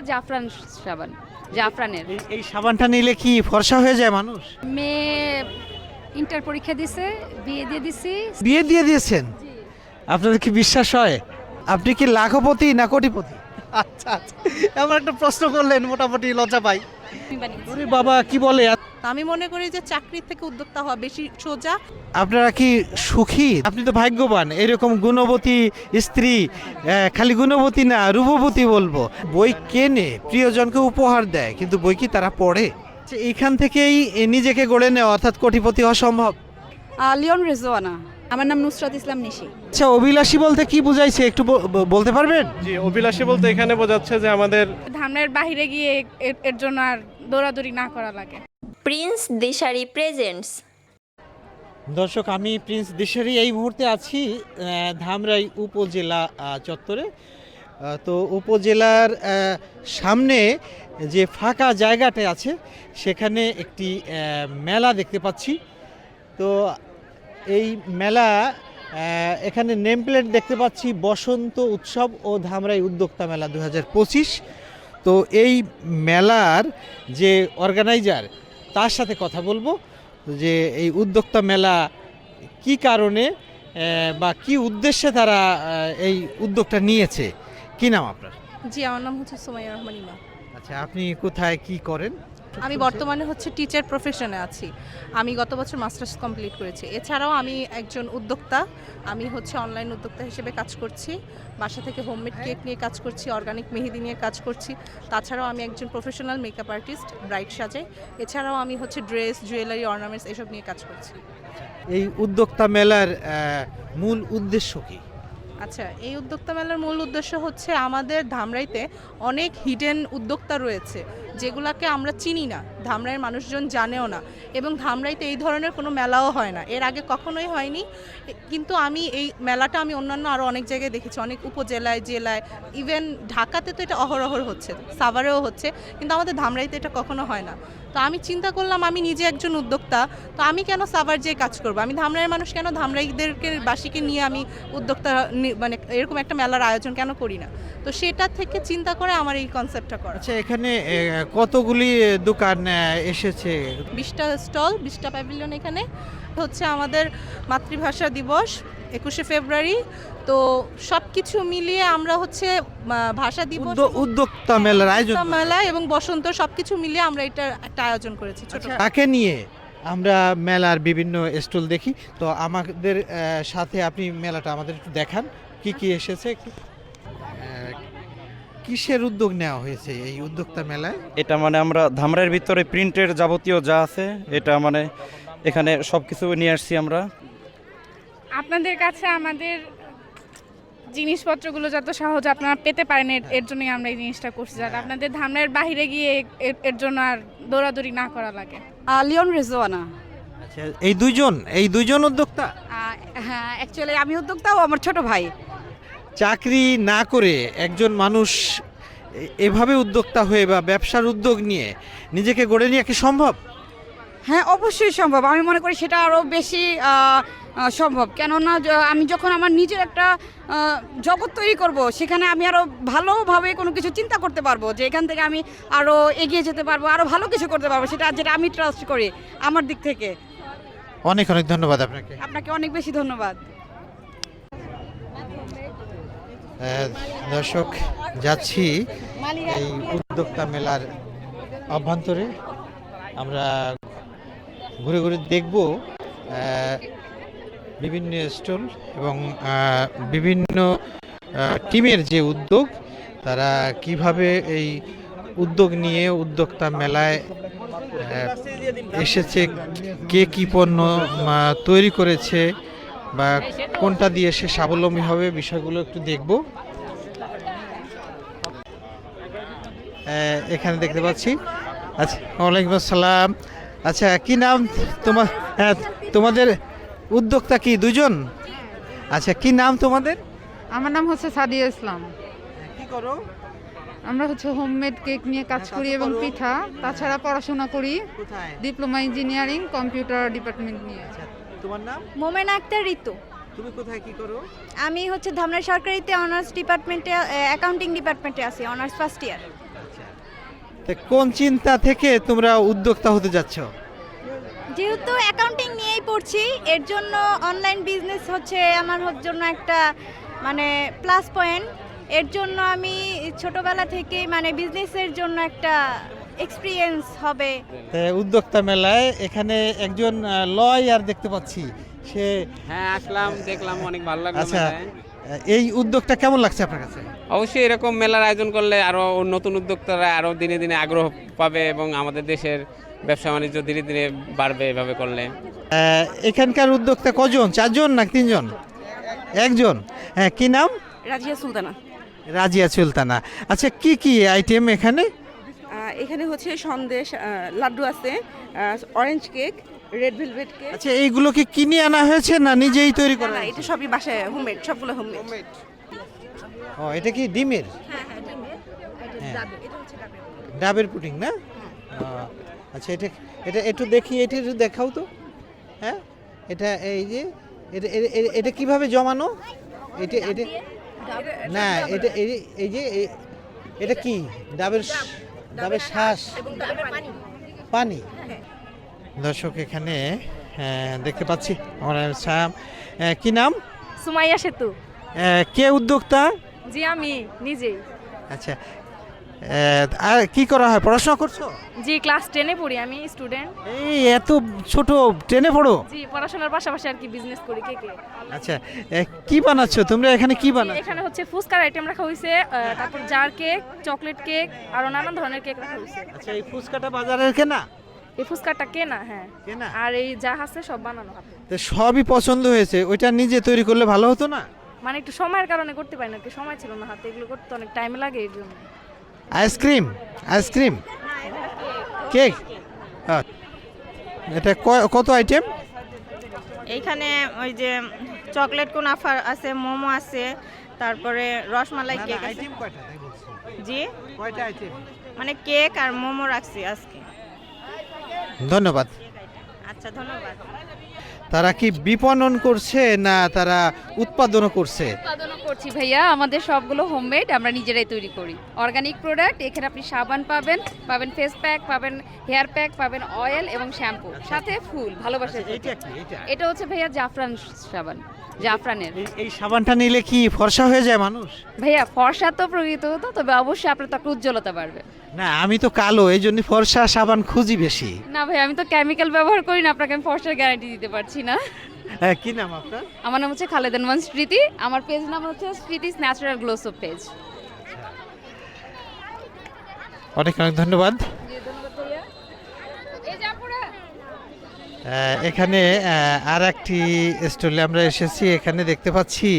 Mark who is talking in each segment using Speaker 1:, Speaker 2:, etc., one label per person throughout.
Speaker 1: জাফরান সাবান, জাফরানের।
Speaker 2: এই সাবানটা নিলে কি ফর্সা হয়ে যায় মানুষ?
Speaker 1: মেয়ে ইন্টার পরীক্ষা দিছে, বিয়ে দিয়ে দিছি।
Speaker 2: বিয়ে দিয়ে দিয়েছেন? আপনাদের কি বিশ্বাস হয়? আপনি কি লাখপতি না কোটিপতি? আচ্ছা আচ্ছা, এমন একটা প্রশ্ন করলেন, মোটামুটি লজ্জা পাই। ওরে বাবা, কি বলে!
Speaker 3: আমি মনে করি যে চাকরির থেকে উদ্যোক্তা হওয়া বেশি সোজা।
Speaker 2: আপনারা কি সুখী? আপনি তো ভাগ্যবান, এরকম গুণবতী স্ত্রী। খালি গুণবতী না, রূপবতী বলবো। বই কেনে প্রিয়জনকে উপহার দেয়, কিন্তু বই কি তারা পড়ে? এইখান থেকেই নিজেকে গড়ে নেওয়া, অর্থাৎ কোটিপতি হওয়া সম্ভব।
Speaker 4: লিওন রেজওয়ানা। আমার নাম নুসরাত ইসলাম নিশি।
Speaker 2: আচ্ছা, অভিলাষী বলতে কি বুঝাইছে একটু বলতে পারবেন?
Speaker 5: জি, অভিলাষী বলতে এখানে বোঝাচ্ছে যে আমাদের
Speaker 1: ধামরার বাইরে গিয়ে এর জন্য আর দৌড়াদৌড়ি না করা লাগে।
Speaker 6: প্রিন্স দিশারি প্রেজেন্টস।
Speaker 2: দর্শক, আমি প্রিন্স দিশারি এই মুহূর্তে আছি ধামরাই উপজেলা চত্বরে। তো উপজেলার সামনে যে ফাঁকা জায়গাটা আছে সেখানে একটি মেলা দেখতে পাচ্ছি। তো এই মেলা, এখানে নেম প্লেট দেখতে পাচ্ছি বসন্ত উৎসব ও ধামরাই উদ্যোক্তা মেলা 2025। তো এই মেলার যে অর্গানাইজার, তার সাথে কথা বলবো যে এই উদ্যোক্তা মেলা কি কারণে বা কি উদ্দেশ্যে তারা এই উদ্যোগটা নিয়েছে। কি নাম আপনার?
Speaker 3: জি, আমার নাম হচ্ছে সুমাইয়া রহমান ইমা।
Speaker 2: আচ্ছা, আপনি কোথায় কি করেন?
Speaker 3: আমি বর্তমানে হচ্ছে টিচার প্রফেশনে আছি। আমি গত বছর মাস্টার্স কমপ্লিট করেছি। এছাড়াও আমি একজন উদ্যোক্তা। আমি হচ্ছে অনলাইন উদ্যোক্তা হিসেবে কাজ করছি। বাসা থেকে হোমমেড কেক নিয়ে কাজ করছি, অর্গানিক মেহেদি নিয়ে কাজ করছি। তাছাড়াও আমি একজন প্রফেশনাল মেকআপ আর্টিস্ট, ব্রাইড সাজাই। এছাড়াও আমি হচ্ছে ড্রেস, জুয়েলারি, অর্নামেন্টস এসব নিয়ে কাজ করছি।
Speaker 2: এই উদ্যোক্তা মেলার মূল উদ্দেশ্য কি?
Speaker 3: আচ্ছা, এই উদ্যোক্তা মেলার মূল উদ্দেশ্য হচ্ছে আমাদের ধামরাইতে অনেক হিডেন উদ্যোক্তা রয়েছে যেগুলোকে আমরা চিনি না, ধামরাইয়ের মানুষজন জানেও না, এবং ধামরাইতে এই ধরনের কোনো মেলাও হয় না, এর আগে কখনোই হয়নি। কিন্তু আমি এই মেলাটা আমি অন্যান্য আরও অনেক জায়গায় দেখেছি, অনেক উপজেলায়, জেলায়, ইভেন ঢাকাতে তো এটা অহরহ হচ্ছে, সাভারেও হচ্ছে, কিন্তু আমাদের ধামরাইতে এটা কখনো হয় না। তো আমি চিন্তা করলাম, আমি নিজে একজন উদ্যোক্তা, তো আমি কেন সাভার যেয়ে কাজ করবো? আমি ধামরাইয়ের মানুষ, কেন ধামরাইদেরকে বাসীকে নিয়ে আমি উদ্যোক্তা মানে এরকম একটা মেলার আয়োজন কেন করি না? তো সেটা থেকে চিন্তা করে আমার এই কনসেপ্টটা করা।
Speaker 2: আচ্ছা, এখানে কতগুলি দোকান এসেছে?
Speaker 3: 20টা স্টল, 20টা প্যাভিলিয়ন। এখানে হচ্ছে আমাদের মাতৃভাষা দিবস 21শে ফেব্রুয়ারি। তো সব কিছু মিলিয়ে আমরা হচ্ছে ভাষা দিবস,
Speaker 2: উদ্যোক্তা মেলার আয়োজন,
Speaker 3: মেলা এবং বসন্ত সব কিছু মিলিয়ে আমরা এটা একটা আয়োজন করেছি ছোট।
Speaker 2: তাকে নিয়ে আমরা মেলার বিভিন্ন স্টল দেখি। তো আমাদের সাথে আপনি মেলাটা আমাদের একটু দেখান, কি কি এসেছে। কিসের উদ্যোগ নেওয়া হয়েছে এই উদ্যোক্তা মেলায়?
Speaker 7: এটা মানে আমরা ধামরাইয়ের ভিতরে প্রিন্টের যাবতীয় যা আছে, এটা মানে এখানে সব কিছু নিয়ে আসছি আমরা।
Speaker 1: আপনাদের কাছে আমাদের জিনিসপত্রগুলো যত সহজ আপনারা পেতে পারেন, এর জন্যই আমরা এই জিনিসটা করছি, যাতে আপনাদের ধামরাইয়ের বাইরে গিয়ে এর জন্য আর দৌড়াদৌড়ি না করা লাগে।
Speaker 4: লিওন রেজওয়ানা।
Speaker 2: আচ্ছা, এই দুইজন উদ্যোক্তা?
Speaker 4: হ্যাঁ, অ্যাকচুয়ালি আমি উদ্যোক্তা ও আমার ছোট ভাই।
Speaker 2: চাকরি না করে একজন মানুষ এভাবে উদ্যোক্তা হয়ে বা ব্যবসার উদ্যোগ নিয়ে নিজেকে গড়ে নেওয়া কি সম্ভব?
Speaker 4: হ্যাঁ, অবশ্যই সম্ভব। আমি মনে করি সেটা আরও বেশি সম্ভব। কেননা আমি যখন আমার নিজের একটা জগৎ তৈরি করব, সেখানে আমি আরও ভালোভাবে কোনো কিছু চিন্তা করতে পারবো, যে এখান থেকে আমি আরও এগিয়ে যেতে পারবো, আরও ভালো কিছু করতে পারবো, যেটা আমি ট্রাস্ট করি আমার দিক থেকে।
Speaker 2: অনেক অনেক ধন্যবাদ আপনাকে।
Speaker 4: আপনাকে অনেক বেশি ধন্যবাদ।
Speaker 2: দর্শক, যাচ্ছি এই উদ্যোক্তা মেলার অভ্যন্তরে। আমরা ঘুরে ঘুরে দেখব বিভিন্ন স্টল এবং বিভিন্ন টিমের যে উদ্যোগ, তারা কিভাবে এই উদ্যোগ নিয়ে উদ্যোক্তা মেলায় এসেছে, কে কী পণ্য তৈরি করেছে বা কোনটা দিয়ে সে স্বাবলম্বী হবে, বিষয়গুলো একটু দেখব। এখানে দেখতে পাচ্ছি। আচ্ছা, ওয়ালাইকুম আসসালাম। আচ্ছা, কি নাম তোমার? হ্যাঁ, তোমাদের উদ্যোক্তা কি দুজন? আচ্ছা, কি নাম তোমাদের?
Speaker 8: আমার নাম হচ্ছে সাদিয়া ইসলাম।
Speaker 2: কি করো?
Speaker 8: আমরা হচ্ছে হোমমেড কেক নিয়ে কাজ করি এবং পিঠা। তাছাড়া পড়াশোনা করি,
Speaker 2: কোথায়?
Speaker 8: ডিপ্লোমা ইঞ্জিনিয়ারিং, কম্পিউটার ডিপার্টমেন্ট নিয়ে।
Speaker 2: আচ্ছা, তোমার নাম?
Speaker 9: মোমেনা আক্তার ঋতু।
Speaker 2: তুমি কোথায় কি করো?
Speaker 9: আমি হচ্ছে ধামরাই সরকারিতে অনার্স ডিপার্টমেন্টে, অ্যাকাউন্টিং ডিপার্টমেন্টে আছি, অনার্স ফার্স্ট ইয়ার।
Speaker 2: আচ্ছা, তো কোন চিন্তা থেকে তোমরা উদ্যোক্তা হতে যাচ্ছ?
Speaker 9: যেহেতু অ্যাকাউন্টিং নিয়েই পড়ছি, এর জন্য অনলাইন বিজনেস হচ্ছে আমার জন্য একটা মানে প্লাস পয়েন্ট। এর জন্য আমি ছোটবেলা থেকেই মানে বিজনেসের জন্য একটা এক্সপিরিয়েন্স হবে।
Speaker 2: তো উদ্যোক্তা মেলায় এখানে একজন লয়ার দেখতে পাচ্ছি, সে
Speaker 10: হ্যাঁ আসলাম, দেখলাম, অনেক ভালো লাগলো
Speaker 2: আচ্ছা,
Speaker 10: মেলায়।
Speaker 2: এই উদ্যোগটা কেমন লাগছে আপনার কাছে?
Speaker 10: অবশ্যই এরকম মেলার আয়োজন করলে আরো নতুন উদ্যোক্তারা আরো দিনে দিনে আগ্রহ পাবে এবং আমাদের দেশের ব্যবসা বাণিজ্য ধীরে ধীরে বাড়বে এভাবে করলে।
Speaker 2: এখানকার উদ্যোক্তা কজন, 4 জন না 3 জন? একজন। হ্যাঁ, কি নাম?
Speaker 3: রাজিয়া সুলতানা।
Speaker 2: রাজিয়া সুলতানা। আচ্ছা, কি কি আইটেম এখানে?
Speaker 3: এখানে হচ্ছে সন্দেশ, লাড্ডু আছে, orange cake, red velvet cake.
Speaker 2: আচ্ছা, এইগুলো কি কিনে আনা হয়েছে না নিজেই তৈরি করা?
Speaker 3: না, এটা সবই বাসায় হোমমেড, সবগুলো হোমমেড।
Speaker 2: ও, এটা কি ডিমের?
Speaker 3: হ্যাঁ হ্যাঁ, ডিমের।
Speaker 2: হ্যাঁ।
Speaker 3: এটা হচ্ছে ডাবের।
Speaker 2: ডাবের পুডিং না? আচ্ছা, এটা এটা একটু দেখি, এটা একটু দেখাও তো। হ্যাঁ, এটা এই যে এটা কিভাবে জমানো? এটা এটা না, এটা এই যে এটা কি? ডাবের শ্বাস, পানি। দর্শক, এখানে দেখতে পাচ্ছি আমরা কি নাম?
Speaker 1: সুমাইয়া সেতু।
Speaker 2: কে উদ্যোক্তা?
Speaker 1: জি, আমি নিজেই।
Speaker 2: আচ্ছা, আর কি করা হয়, পড়াশোনা করছো?
Speaker 1: জি, ক্লাস 10-এ পড়ি, আমি স্টুডেন্ট।
Speaker 2: এই এত ছোট, 10-এ পড়ো?
Speaker 1: জি, পড়াশোনার পাশাপাশি আর কি বিজনেস করি কেকে।
Speaker 2: আচ্ছা, কি বানাচ্ছো তোমরা এখানে, কি বানাচ্ছো?
Speaker 1: এখানে হচ্ছে ফুচকার আইটেম রাখা হয়েছে, তারপর জার কেক, চকলেট কেক, আরো নানান ধরনের কেক রাখা হয়েছে।
Speaker 2: আচ্ছা, এই ফুচকাটা বাজারের কেনা?
Speaker 1: এই ফুচকাটা কেনা, হ্যাঁ।
Speaker 2: কেনা?
Speaker 1: আর এই যা আছে সব বানানো হাতে।
Speaker 2: তো সবই পছন্দ হয়েছে, ওইটা নিজে তৈরি করলে ভালো হতো না?
Speaker 1: মানে একটু সময়ের কারণে করতে পারি না, একটু সময় ছিল না হাতে, এগুলো করতে অনেক টাইম লাগে এর জন্য।
Speaker 2: Ice cream, ice cream, cake. এটা কত আইটেম?
Speaker 9: এইখানে ওই যে চকলেট কুনাফা আছে, মোমো আছে, তারপরে রসমালাই কেক আছে।
Speaker 2: আইটেম কয়টা তাই বলছি?
Speaker 9: জি,
Speaker 2: কয়টা আইটেম?
Speaker 9: মানে কেক আর মোমো রাখছি আজকে।
Speaker 2: ধন্যবাদ।
Speaker 9: আচ্ছা, ধন্যবাদ।
Speaker 2: তারা কি বিপণন করছে না তারা উৎপাদনও করছে?
Speaker 4: উৎপাদনও করছি ভাইয়া, আমাদের সবগুলো হোমমেড, আমরা নিজেরাই তৈরি করি। অর্গানিক প্রোডাক্ট, এখানে আপনি সাবান পাবেন, ফেস প্যাক পাবেন, হেয়ার প্যাক পাবেন, অয়েল এবং শ্যাম্পু, সাথে ফুল, ভালোবাসার ফুল।
Speaker 2: এইটা কি? এটা
Speaker 4: এটা হচ্ছে ভাইয়া জাফরান সাবান, জাফরানের।
Speaker 2: এই সাবানটা নিলে কি ফর্সা হয়ে যায় মানুষ?
Speaker 4: ভাইয়া ফর্সা তো প্রকৃত হতো, তবে অবশ্যই আপনার ত্বকের উজ্জ্বলতা বাড়বে।
Speaker 2: না, আমি তো কালো, এই জন্য ফর্সা সাবান খুঁজি বেশি।
Speaker 4: না ভাই, আমি তো কেমিক্যাল ব্যবহার করি না, আপনাকে আমি ফর্সার গ্যারান্টি দিতে পারছি না।
Speaker 2: হ্যাঁ, কি নাম আপনার?
Speaker 4: আমার নাম হচ্ছে খালেদা নুমান স্মৃতি, আমার পেজ নাম হচ্ছে স্মৃতিস ন্যাচারাল গ্লো সোপ পেজ।
Speaker 2: অনেক অনেক ধন্যবাদ। এখানে আর একটি স্টলে আমরা এসেছি, এখানে দেখতে পাচ্ছি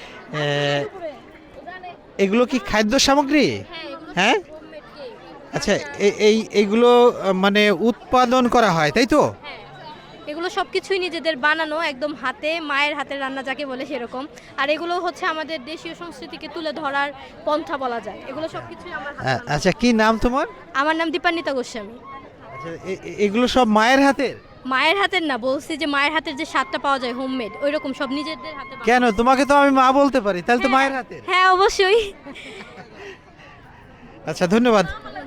Speaker 2: এগুলো কি খাদ্য সামগ্রী? হ্যাঁ, আচ্ছা, এইগুলো মানে উৎপাদন করা হয় তাই তো?
Speaker 9: এগুলো সব কিছুই নিজেদের বানানো, একদম হাতে, মায়ের হাতের রান্না যাকে বলে সেরকম। আর এগুলো হচ্ছে আমাদের দেশীয় সংস্কৃতিকে তুলে ধরার পন্থা বলা যায়। এগুলো সব কিছুই আমার হাতে বানানো।
Speaker 2: আচ্ছা, কি নাম তোমার?
Speaker 9: আমার নাম দীপান্বিতা গোস্বামী।
Speaker 2: আচ্ছা, এগুলো সব মায়ের হাতের?
Speaker 9: মায়ের হাতের না, বলছি যে মায়ের হাতের যে স্বাদটা পাওয়া যায় হোমমেড, ওই রকম সব নিজেদের হাতে বানানো।
Speaker 2: কেন, তোমাকে তো আমি মা বলতে পারি, তাহলে তো মায়ের হাতের।
Speaker 9: হ্যাঁ, অবশ্যই।
Speaker 2: আচ্ছা, ধন্যবাদ।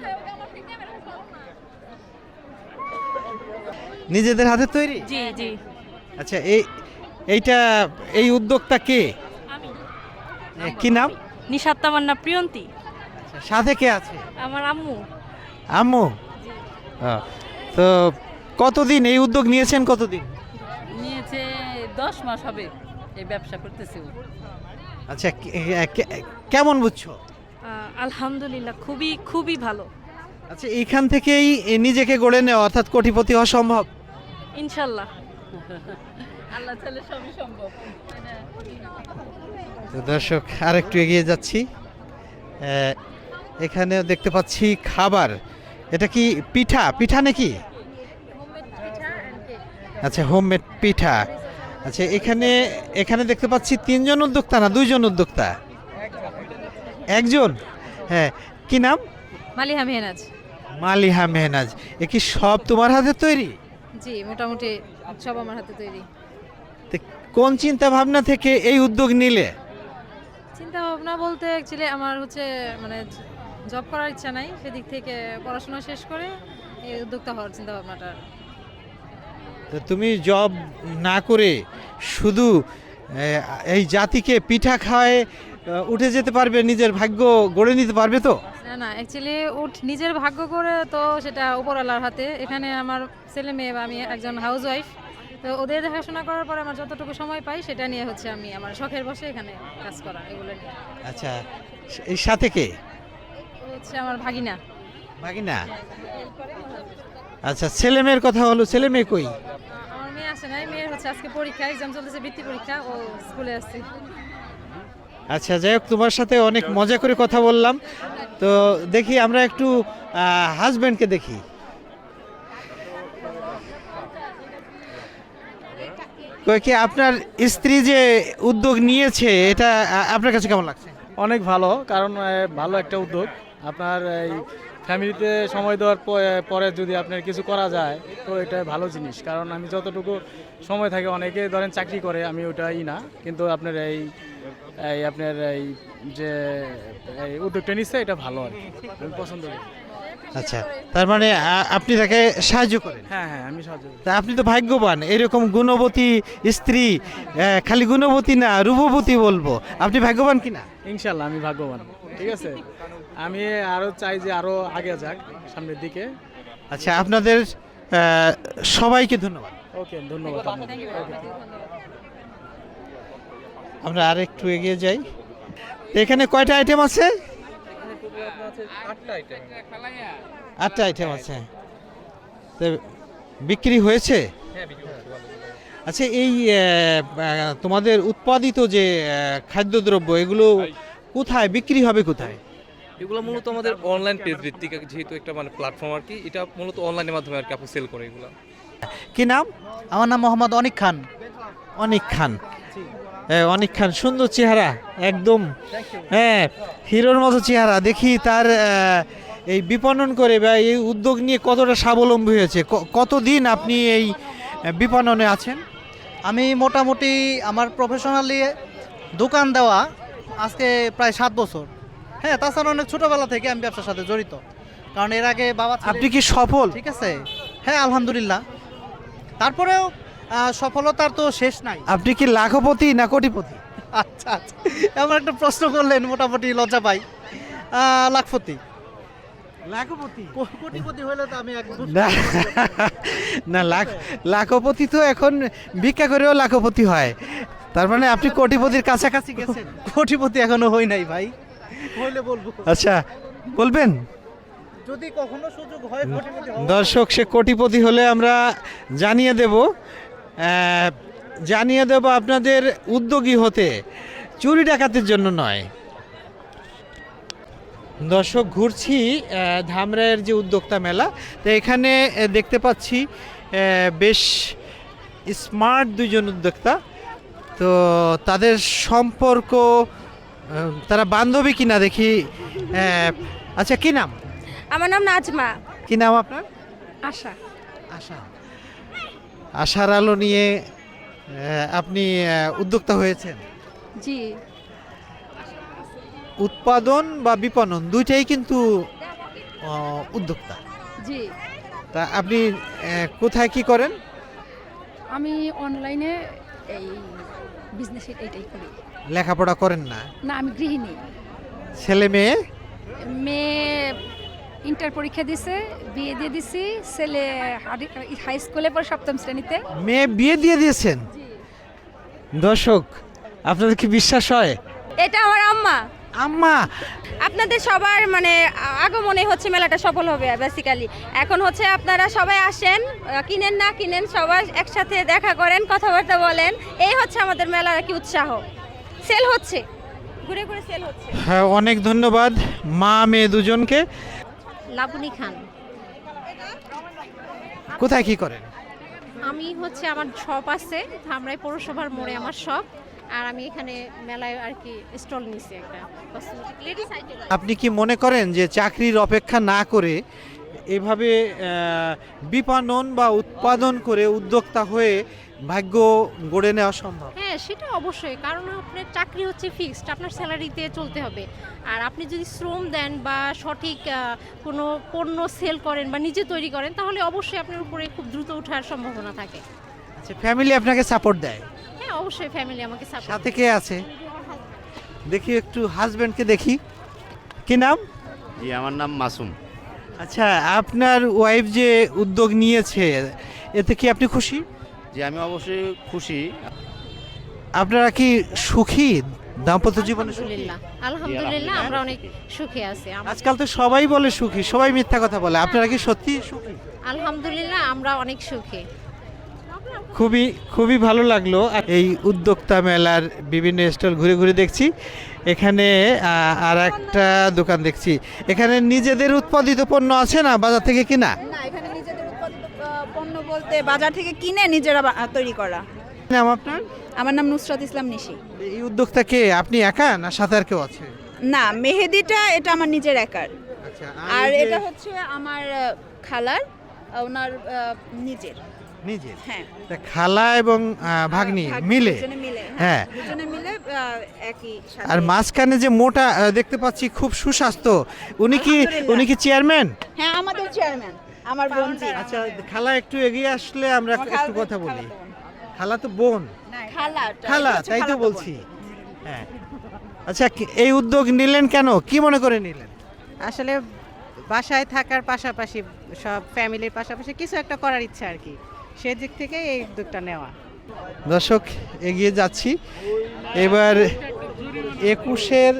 Speaker 2: নিজেদের হাতে তৈরি?
Speaker 1: জি জি।
Speaker 2: আচ্ছা, এই উদ্যোক্তা কে? কি নাম?
Speaker 1: নিশাত তামান্না প্রিয়ন্তী।
Speaker 2: আচ্ছা, সাথে কে আছে?
Speaker 1: আমার আম্মু।
Speaker 2: আম্মু? তো কতদিন এই উদ্যোগ নিয়েছেন, কতদিন?
Speaker 1: নিয়েছে 10 মাস হবে এই ব্যবসা করতেছি।
Speaker 2: আচ্ছা, কেমন বুঝছো?
Speaker 1: আলহামদুলিল্লাহ, খুবই খুবই ভালো।
Speaker 2: আচ্ছা, এইখান থেকেই নিজেকে গড়ে নেওয়া, অর্থাৎ কোটিপতি হওয়া সম্ভব?
Speaker 1: ইনশাল্লাহ, আল্লাহ চাইলে সবই সম্ভব।
Speaker 2: তো দর্শক, আর একটু এগিয়ে যাচ্ছি, এখানে দেখতে পাচ্ছি খাবার। এটা কি পিঠা? পিঠা নাকি? আচ্ছা, হোমমেড পিঠা। আচ্ছা, এখানে দেখতে পাচ্ছি 3 জন উদ্যোক্তা না 2 জন উদ্যোক্তা? একজন। হ্যাঁ, কি নাম?
Speaker 1: মালিহা মেহনাজ।
Speaker 2: মালিহা মেহনাজ। এ কি সব তোমার হাতে তৈরি?
Speaker 1: জি, মোটামুটি সব আমার হাতে তৈরি।
Speaker 2: তো কোন চিন্তা ভাবনা থেকে এই উদ্যোগ নিলে?
Speaker 1: চিন্তা ভাবনা বলতে অ্যাকচুয়ালি আমার হচ্ছে মানে
Speaker 8: জব করার ইচ্ছা নাই, সেদিক থেকে পড়াশোনা শেষ করে এই উদ্যোক্তা হওয়ার চিন্তা ভাবনাটা।
Speaker 2: তো তুমি জব না করে শুধু এই জাতিকে পিঠা খাওয়ায় উঠে যেতে পারবে, নিজের ভাগ্য গড়ে নিতে পারবে তো?
Speaker 8: না না, অ্যাকচুয়ালি নিজের ভাগ্য করে তো সেটা উপরওয়ালার হাতে। এখানে আমার ছেলে মেয়ে বা আমি একজন হাউস ওয়াইফ, তো ওদের দেখাশোনা করার পরে আমার যতটুকু সময় পাই সেটা নিয়ে হচ্ছে আমি আমার শখের বসে এখানে কাজ করা, এগুলো নিয়ে।
Speaker 2: আচ্ছা, এই সাথে কে?
Speaker 8: ও হচ্ছে আমার ভাগিনা।
Speaker 2: ভাগিনা? আচ্ছা, ছেলে মেয়ের কথা হলো, ছেলে মেয়ে কই?
Speaker 8: আমার মেয়ে আসে নাই, মেয়ের হচ্ছে আজকে পরীক্ষা, এক্সাম চলতেছে, বৃত্তি পরীক্ষা, ও স্কুলে আসছে।
Speaker 2: আচ্ছা, যাই হোক, তোমার সাথে অনেক মজা করে কথা বললাম। তো দেখি আমরা একটু হাজব্যান্ডকে দেখি। কই কি আপনার স্ত্রী যে উদ্যোগ নিয়েছে, এটা আপনার কাছে কেমন লাগছে?
Speaker 5: অনেক ভালো, কারণ ভালো একটা উদ্যোগ। আপনার এই ফ্যামিলিতে সময় দেওয়ার পরে যদি আপনার কিছু করা যায় তো এটা ভালো জিনিস। কারণ আমি যতটুকু সময় থাকে, অনেকে ধরেন চাকরি করে, আমি ওটাই না, কিন্তু আপনার এই আপনার এই যে এই উদ্যোগটা নিচ্ছে এটা ভালো আর কি, আমি পছন্দ করি।
Speaker 2: আচ্ছা, তার মানে আপনি তাকে সাহায্য করেন?
Speaker 5: হ্যাঁ হ্যাঁ, আমি সাহায্য করি।
Speaker 2: তা আপনি তো ভাগ্যবান, এরকম গুণবতী স্ত্রী। খালি গুণবতী না, রূপবতী বলবো। আপনি ভাগ্যবান কিনা?
Speaker 5: ইনশাল্লাহ আমি ভাগ্যবান। ঠিক আছে, আমি আরও চাই যে আরও আগে যাক সামনের দিকে।
Speaker 2: আচ্ছা, আপনাদের সবাইকে ধন্যবাদ।
Speaker 5: ওকে, ধন্যবাদ।
Speaker 2: আমরা আর একটু এগিয়ে যাই। এখানে কয়টা আইটেম আছে? 8টা আইটেম আছে। তো বিক্রি হয়েছে? আচ্ছা, এই তোমাদের উৎপাদিত যে খাদ্যদ্রব্য, এগুলো কোথায় বিক্রি হবে, কোথায়?
Speaker 11: এগুলো মূলত আমাদের অনলাইন পেজ ভিত্তিক, যেহেতু একটা মানে প্ল্যাটফর্ম আর কি, এটা মূলত অনলাইনের মাধ্যমে আর কি আপনি সেল করে এগুলো।
Speaker 2: কি নাম?
Speaker 12: আমার নাম মোহাম্মদ অনিক খান।
Speaker 2: অনিক খান? অনিক খান, সুন্দর চেহারা একদম। হ্যাঁ, হিরোর মতো চেহারা। দেখি তার এই বিপণন করে বা এই উদ্যোগ নিয়ে কতটা স্বাবলম্বী হয়েছে। কতদিন আপনি এই বিপণনে আছেন?
Speaker 12: আমি মোটামুটি আমার প্রফেশনালি দোকান দেওয়া আজকে প্রায় 7 বছর। হ্যাঁ, তাছাড়া অনেক ছোটোবেলা থেকে আমি ব্যবসার সাথে জড়িত, কারণ এর আগে বাবা।
Speaker 2: আপনি কি সফল?
Speaker 12: ঠিক আছে, হ্যাঁ আলহামদুলিল্লাহ। তারপরেও সফলতার তো শেষ নাই।
Speaker 2: আপনি কি লাখপতি না কোটিপতি?
Speaker 12: আচ্ছা আচ্ছা, এমন একটা প্রশ্ন করলেন, মোটামুটি লজ্জা পাই। লাখপতি।
Speaker 2: লাখপতি?
Speaker 12: কোটিপতি হলে তো আমি
Speaker 2: না, লাখপতি তো এখন ভিক্ষা করেও লাখপতি হয়। তার মানে আপনি কোটিপতির কাছাকাছি গেছেন?
Speaker 12: কোটিপতি এখনো হই নাই ভাই, হইলে বলবো।
Speaker 2: আচ্ছা, বলবেন
Speaker 12: যদি কখনো সুযোগ হয় কোটিপতি হওয়ার।
Speaker 2: দর্শক, সে কোটিপতি হলে আমরা জানিয়ে দেব আপনাদের উদ্যোগী হতে, চুরি ডাকাতের জন্য নয়। দর্শক, ঘুরছি ধামরাইয়ের যে উদ্যোক্তা মেলা, তো এখানে দেখতে পাচ্ছি বেশ স্মার্ট দুইজন উদ্যোক্তা। তো তাদের সম্পর্ক, তারা বান্ধবী কিনা দেখি। আচ্ছা, কি নাম?
Speaker 9: আমার নাম নাজমা।
Speaker 2: কি নাম আপনার?
Speaker 9: আশা।
Speaker 2: আশা। আশার আলো নিয়ে আপনি উদ্যোক্তা হয়েছেন?
Speaker 9: জি।
Speaker 2: উৎপাদন বা বিপণন দুইটাই কিন্তু উদ্যোক্তা।
Speaker 8: জি।
Speaker 2: তা আপনি কোথায় কি করেন?
Speaker 8: আমি অনলাইনে এই বিজনেস এইটাই করি।
Speaker 2: লেখাপড়া করেন না?
Speaker 8: না, আমি গৃহিণী।
Speaker 2: ছেলে মেয়ে?
Speaker 8: মেয়ে ইন্টার পরীক্ষা দিছে, বিয়ে দিয়ে দিছি। ছেলে হাই স্কুলে পড়ে 7ম শ্রেণীতে।
Speaker 2: মেয়ে বিয়ে দিয়ে দিয়েছেন? দর্শক, আপনাদের কি বিশ্বাস হয়?
Speaker 9: এটা আমার আম্মা।
Speaker 2: আম্মা?
Speaker 9: আপনাদের সবার মানে আগমনে হচ্ছে মেলাটা সফল হবে বেসিক্যালি। এখন হচ্ছে আপনারা সবাই আসেন, কিনেন না কিনেন, সবাই একসাথে দেখা করেন, কথাবার্তা বলেন। এই হচ্ছে আমাদের মেলার কি উৎসাহ। সেল হচ্ছে, ঘুরে ঘুরে সেল হচ্ছে।
Speaker 2: হ্যাঁ, অনেক ধন্যবাদ মা মেয়ে দুজনকে।
Speaker 9: লাবণী খান।
Speaker 2: কোথায় কি করেন?
Speaker 9: আমি হচ্ছে আমার শপ আছে ধামরাই পৌরসভার মোড়ে আমার শপ, আর আমি এখানে মেলায় আর কি স্টল নিছি একটা কসমেটিক লেডিস আইটেম।
Speaker 2: আপনি কি মনে করেন যে চাকরির অপেক্ষা না করে এভাবে বিপণন বা উৎপাদন করে উদ্যোক্তা হয়ে ভাগ্য গড়ে নেওয়া সম্ভব?
Speaker 8: হ্যাঁ, সেটা অবশ্যই, কারণ আপনার চাকরি হচ্ছে ফিক্সড, আপনার স্যালারিতে চলতে হবে। আর আপনি যদি শ্রম দেন বা সঠিক কোনো পণ্য সেল করেন বা নিজে তৈরি করেন, তাহলে অবশ্যই আপনার উপরে খুব দ্রুত ওঠার সম্ভাবনা থাকে।
Speaker 2: আচ্ছা, ফ্যামিলি আপনাকে সাপোর্ট দেয়?
Speaker 8: হ্যাঁ, অবশ্যই ফ্যামিলি আমাকে সাপোর্ট।
Speaker 2: সাথে কে আছে? দেখি একটু হাজবেন্ডকে দেখি। কি নাম?
Speaker 13: জি, আমার নাম মাসুম।
Speaker 2: আচ্ছা, আপনার ওয়াইফ যে উদ্যোগ নিয়েছে এতে কি আপনি খুশি?
Speaker 13: জি, আমি অবশ্যই খুশি।
Speaker 2: আপনারা কি সুখী দাম্পত্য জীবনে?
Speaker 8: আলহামদুলিল্লাহ, আলহামদুলিল্লাহ, আমরা অনেক সুখে আছি।
Speaker 2: আজকাল তো সবাই বলে সুখী, সবাই মিথ্যা কথা বলে, আপনারা কি সত্যি সুখী?
Speaker 8: আলহামদুলিল্লাহ, আমরা অনেক সুখী।
Speaker 2: খুবই খুবই ভালো লাগলো। এই উদ্যোক্তা মেলার বিভিন্ন স্টল ঘুরে ঘুরে দেখছি। এখানে আর একটা দোকান দেখছি। এখানে নিজেদের উৎপাদিত পণ্য আছে না বাজার থেকে কিনা?
Speaker 4: না, এখানে নিজেদের উৎপাদিত পণ্য বলতে বাজার থেকে কিনে নিজেরা তৈরি করা।
Speaker 2: নাম আপনার?
Speaker 4: আমার নাম নুসরাত ইসলাম নিশি।
Speaker 2: এই উদ্যোক্তা কে, আপনি একা না সাথে আর কেউ আছে?
Speaker 4: না, মেহেদিটা এটা আমার নিজের একার,
Speaker 2: আচ্ছা,
Speaker 4: আর
Speaker 2: এই যে-
Speaker 4: এটা হচ্ছে আমার খালার, ওনার নিজের।
Speaker 2: নিজের?
Speaker 4: হ্যাঁ,
Speaker 2: তা খালা এবং ভাগ্নি মিলে?
Speaker 4: দুজনে মিলে,
Speaker 2: হ্যাঁ।
Speaker 4: দুজনে মিলে একই সাথে।
Speaker 2: আর মাঝখানে যে মোটা দেখতে পাচ্ছি খুব সুস্বাস্থ্য, উনি কি চেয়ারম্যান?
Speaker 4: হ্যাঁ, আমাদের চেয়ারম্যান আমার বোনজি।
Speaker 2: আচ্ছা, খালা একটু এগিয়ে আসলে আমরা একটু কথা বলি। খালা তো বোন। খালা, তাই তো বলছি। হ্যাঁ, আচ্ছা, এই উদ্যোগ নিলেন কেন, কি মনে করে নিলেন?
Speaker 3: আসলে বাসায় থাকার পাশাপাশি সব ফ্যামিলির পাশাপাশি কিছু একটা করার ইচ্ছা আর কি, সেই দিক থেকে এই উদ্যোগটা নেওয়া।
Speaker 2: দর্শক, এগিয়ে যাচ্ছি এবার 21-এর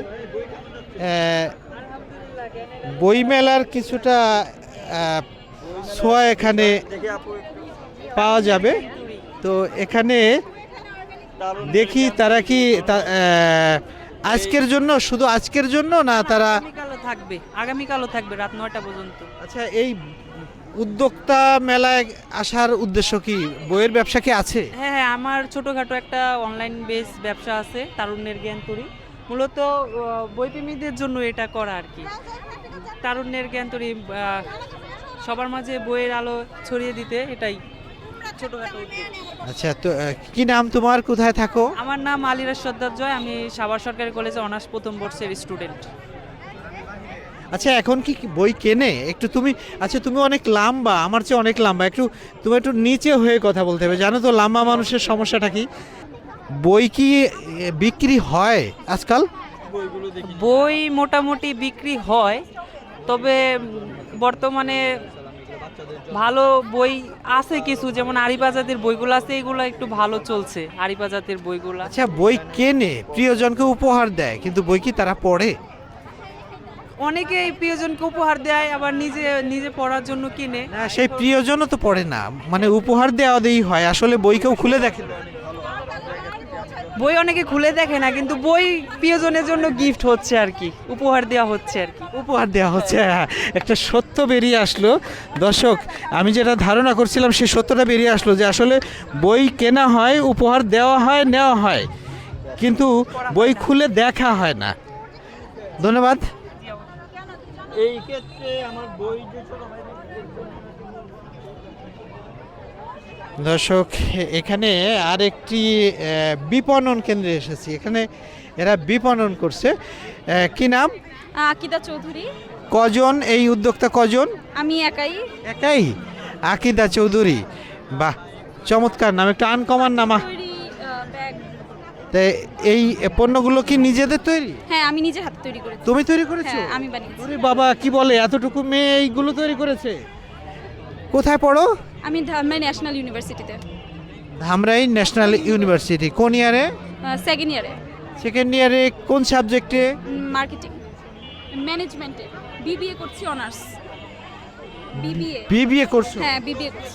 Speaker 2: বইমেলার কিছুটা ছোঁয়া এখানে পাওয়া যাবে। তো এখানে দেখি তারা কি আজকের জন্য, শুধু আজকের জন্য না তারা
Speaker 3: আগামীকালও থাকবে রাত 9টা পর্যন্ত।
Speaker 2: আচ্ছা, এই উদ্যোক্তা মেলায় আসার উদ্দেশ্য কি? বইয়ের ব্যবসা কি আছে?
Speaker 3: হ্যাঁ, আমার ছোটোখাটো একটা অনলাইন বেস ব্যবসা আছে, তারুণ্যের জ্ঞান তৈরি। মূলত বইপ্রেমীদের জন্য এটা করা আর কি। তারুণ্যের জ্ঞান তৈরি, সবার মাঝে বইয়ের আলো ছড়িয়ে দিতে, এটাই ছোটোখাটো উদ্যোগ।
Speaker 2: আচ্ছা, তো কি নাম তোমার, কোথায় থাকো?
Speaker 3: আমার নাম আলিরাজ সর্দার জয়, আমি সাভার সরকারি কলেজে অনার্স প্রথম বর্ষের স্টুডেন্ট।
Speaker 2: আচ্ছা, এখন কি বই কেনে একটু তুমি? আচ্ছা, তুমি অনেক লম্বা, আমার চেয়ে অনেক লম্বা, তুমি একটু নিচে হয়ে কথা বলতে হবে, জানো তো লম্বা মানুষের সমস্যাটা কি? বই কি বিক্রি হয় আজকাল?
Speaker 3: বই মোটামুটি বিক্রি হয়, তবে বর্তমানে ভালো বই আছে কিছু, যেমন আরিবাজাতের বইগুলো আছে, এগুলো একটু ভালো চলছে, আরিবাজাতের বইগুলো।
Speaker 2: আচ্ছা, বই কেনে, প্রিয়জনকে উপহার দেয়, কিন্তু বই কি তারা পড়ে?
Speaker 3: অনেকেই প্রিয়জনকে উপহার দেয়, আবার নিজে নিজে পড়ার জন্য কিনে।
Speaker 2: না, সেই প্রিয়জনও তো পড়ে না, মানে উপহার দেওয়া দেই হয়, আসলে বই কেউ খুলে দেখে না।
Speaker 3: বই অনেকে খুলে দেখে না, কিন্তু বই প্রিয়জনের জন্য গিফট হচ্ছে আর কি, উপহার দেওয়া হচ্ছে আর কি।
Speaker 2: উপহার দেওয়া হচ্ছে, হ্যাঁ, একটা সত্য বেরিয়ে আসলো। দর্শক, আমি যেটা ধারণা করছিলাম সেই সত্যটা বেরিয়ে আসলো যে আসলে বই কেনা হয়, উপহার দেওয়া হয়, নেওয়া হয়, কিন্তু বই খুলে দেখা হয় না। ধন্যবাদ। এই ক্ষেত্রে আমার বই দর্শক, এখানে আরেকটি বিপণন কেন্দ্রে এসেছি। এখানে এরা বিপণন করছে। কি নাম?
Speaker 4: আকিদা চৌধুরী।
Speaker 2: কজন এই উদ্যোক্তা, কজন?
Speaker 4: আমি একাই।
Speaker 2: একাই? আকিদা চৌধুরী, বাহ, চমৎকার নাম, একটা আনকমন নামা। তাই এই পণ্যগুলো কি নিজেদের তৈরি?
Speaker 4: হ্যাঁ, আমি নিজে হাতে তৈরি করেছি।
Speaker 2: তুমি তৈরি করেছো?
Speaker 4: হ্যাঁ, আমি বানিয়েছি।
Speaker 2: ওরে বাবা, কি বলে, এতটুকু মেয়ে এইগুলো তৈরি করেছে? কোথায় পড়ো?
Speaker 4: আমি ধামরাই ন্যাশনাল ইউনিভার্সিটিতে।
Speaker 2: ধামরাই ন্যাশনাল ইউনিভার্সিটি কোন ইয়ারে?
Speaker 4: সেকেন্ড ইয়ারে।
Speaker 2: সেকেন্ড ইয়ারে কোন সাবজেক্টে?
Speaker 4: মার্কেটিং ম্যানেজমেন্টে, বিবিএ করছি, অনার্স বিবিএ।
Speaker 2: বিবিএ করছো?
Speaker 4: হ্যাঁ, বিবিএ করছি।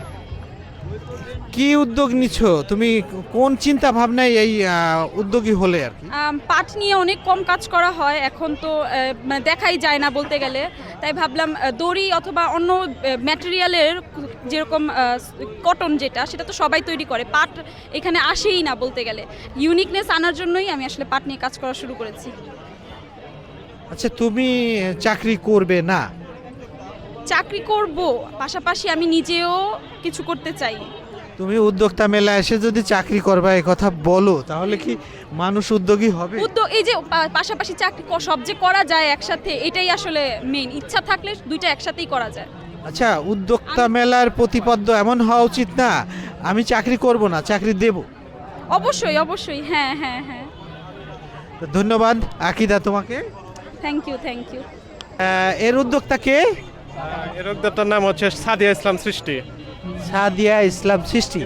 Speaker 2: কি উদ্যোগ নিচ্ছ তুমি, কোন চিন্তা ভাবনায় এই উদ্যোগী হলে আর কি?
Speaker 4: পাট নিয়ে অনেক কম কাজ করা হয় এখন, তো মানে দেখাই যায় না বলতে গেলে, তাই ভাবলাম দড়ি অথবা অন্য ম্যাটেরিয়ালের, যেরকম কটন যেটা, সেটা তো সবাই তৈরি করে, পাট এখানে আসেই না বলতে গেলে। ইউনিকনেস আনার জন্যই আমি আসলে পাট নিয়ে কাজ করা শুরু করেছি।
Speaker 2: আচ্ছা, তুমি চাকরি করবে না,
Speaker 9: চাকরি করব, পাশাপাশি আমি নিজেও কিছু করতে চাই।
Speaker 2: তুমি উদ্যোক্তা মেলা এসে যদি চাকরি করবা এই কথা বলো, তাহলে কি মানুষ উদ্যোগী হবে?
Speaker 9: উদ্যোগ এই যে পাশাপাশি চাকরি সব যে করা যায় একসাথে, এটাই আসলে মেইন। ইচ্ছা থাকলে দুইটা একসাথেই করা যায়।
Speaker 2: আচ্ছা, উদ্যোক্তা মেলার প্রতিপাদ্য এমন হওয়া উচিত না আমি চাকরি করব না, চাকরি দেব।
Speaker 9: অবশ্যই অবশ্যই, হ্যাঁ হ্যাঁ হ্যাঁ।
Speaker 2: তো ধন্যবাদ আকিদা তোমাকে।
Speaker 9: Thank you thank you.
Speaker 2: এর উদ্যোক্তা কে?
Speaker 5: এর উদ্যোক্তার নাম হচ্ছে সাদিয়া ইসলাম সৃষ্টি।
Speaker 2: সাদিয়া ইসলাম সৃষ্টি,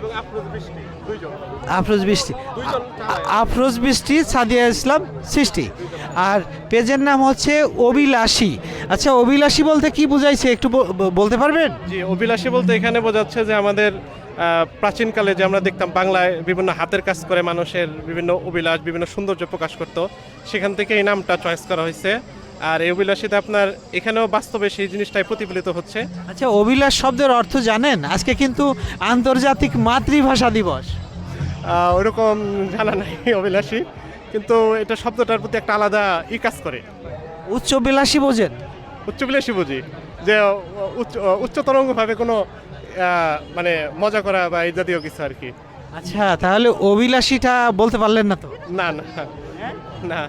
Speaker 2: আফরোজ বৃষ্টি, আফরোজ বৃষ্টি, সাদিয়া ইসলাম সৃষ্টি। আর পেজের নাম হচ্ছে অভিলাষী। আচ্ছা, অভিলাষী বলতে কি বুঝাইছে একটু বলতে পারবেন?
Speaker 5: জি, অভিলাষী বলতে এখানে বোঝাচ্ছে যে আমাদের প্রাচীনকালে যে আমরা দেখতাম বাংলায় বিভিন্ন হাতের কাজ করে মানুষের বিভিন্ন অভিলাষ, বিভিন্ন সৌন্দর্য প্রকাশ করত, সেখান থেকে এই নামটা চয়েস করা হয়েছে। আর এই অভিলাষীতে আপনার এখানেও বাস্তবে সেই জিনিসটাই প্রতিফলিত হচ্ছে।
Speaker 2: আচ্ছা, অভিলাষ শব্দের অর্থ জানেন? আজকে কিন্তু আন্তর্জাতিক মাতৃভাষা দিবস।
Speaker 5: ওরকম জানা নাই অভিলাষী, কিন্তু এটা শব্দটার প্রতি একটা আলাদা কাজ করে।
Speaker 2: উচ্চবিলাসী বোঝেন?
Speaker 5: উচ্চবিলাসী বুঝি যে উচ্চতরঙ্গভাবে কোনো মানে মজা করা বা এই জাতীয় কিছু আর কি।
Speaker 2: আচ্ছা, তাহলে অভিলাষীটা বলতে পারলেন না তো?
Speaker 5: না না না।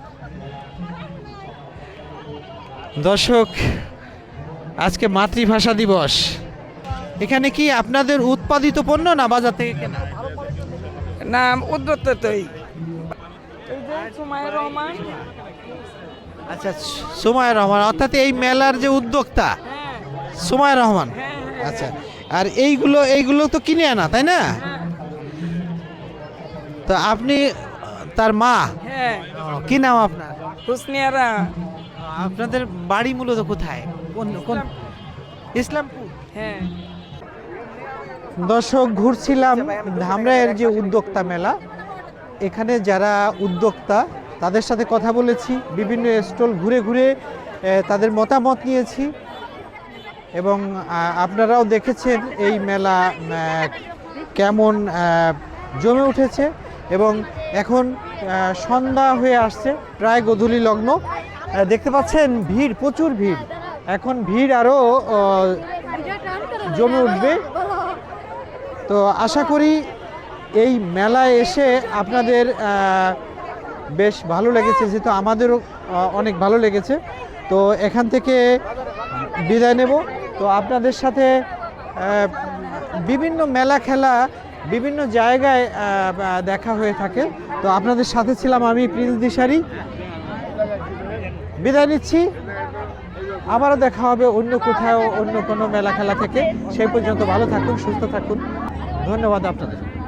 Speaker 2: দর্শক, আজকে মাতৃভাষা দিবস। এখানে কি আপনাদের উৎপাদিত পণ্য না বাজার থেকে কেনা?
Speaker 4: না, উদ্যোক্তাই।
Speaker 2: আচ্ছা, সুমাইয়া রহমান, অর্থাৎ এই মেলার যে উদ্যোক্তা সুমাইয়া রহমান। আচ্ছা, আর এইগুলো তো কিনে আনা, তাই না? তো আপনি তার মা?
Speaker 4: হ্যাঁ।
Speaker 2: কি নাম আপনার?
Speaker 4: হুসনিয়ারা।
Speaker 2: আপনাদের বাড়ি মূলত কোথায়? কোন ইসলামপুর?
Speaker 4: হ্যাঁ।
Speaker 2: দর্শক, ঘুরছিলাম ধামরাইয়ের যে উদ্যোক্তা মেলা, এখানে যারা উদ্যোক্তা তাদের সাথে কথা বলেছি, বিভিন্ন স্টল ঘুরে ঘুরে তাদের মতামত নিয়েছি, এবং আপনারাও দেখেছেন এই মেলা কেমন জমে উঠেছে। এবং এখন সন্ধ্যা হয়ে আসছে, প্রায় গোধূলি লগ্ন। দেখতে পাচ্ছেন ভিড়, প্রচুর ভিড়। এখন ভিড় আরও জমে উঠবে। তো আশা করি এই মেলায় এসে আপনাদের বেশ ভালো লেগেছে, যেহেতু আমাদেরও অনেক ভালো লেগেছে। তো এখান থেকে বিদায় নেব। তো আপনাদের সাথে বিভিন্ন মেলা খেলা বিভিন্ন জায়গায় দেখা হয়ে থাকে। তো আপনাদের সাথে ছিলাম আমি, প্রিন্স দিশারি। বিদায় নিচ্ছি, আবারও দেখা হবে অন্য কোথাও, অন্য কোনো মেলা খেলা থেকে। সেই পর্যন্ত ভালো থাকুন, সুস্থ থাকুন। ধন্যবাদ আপনাদের।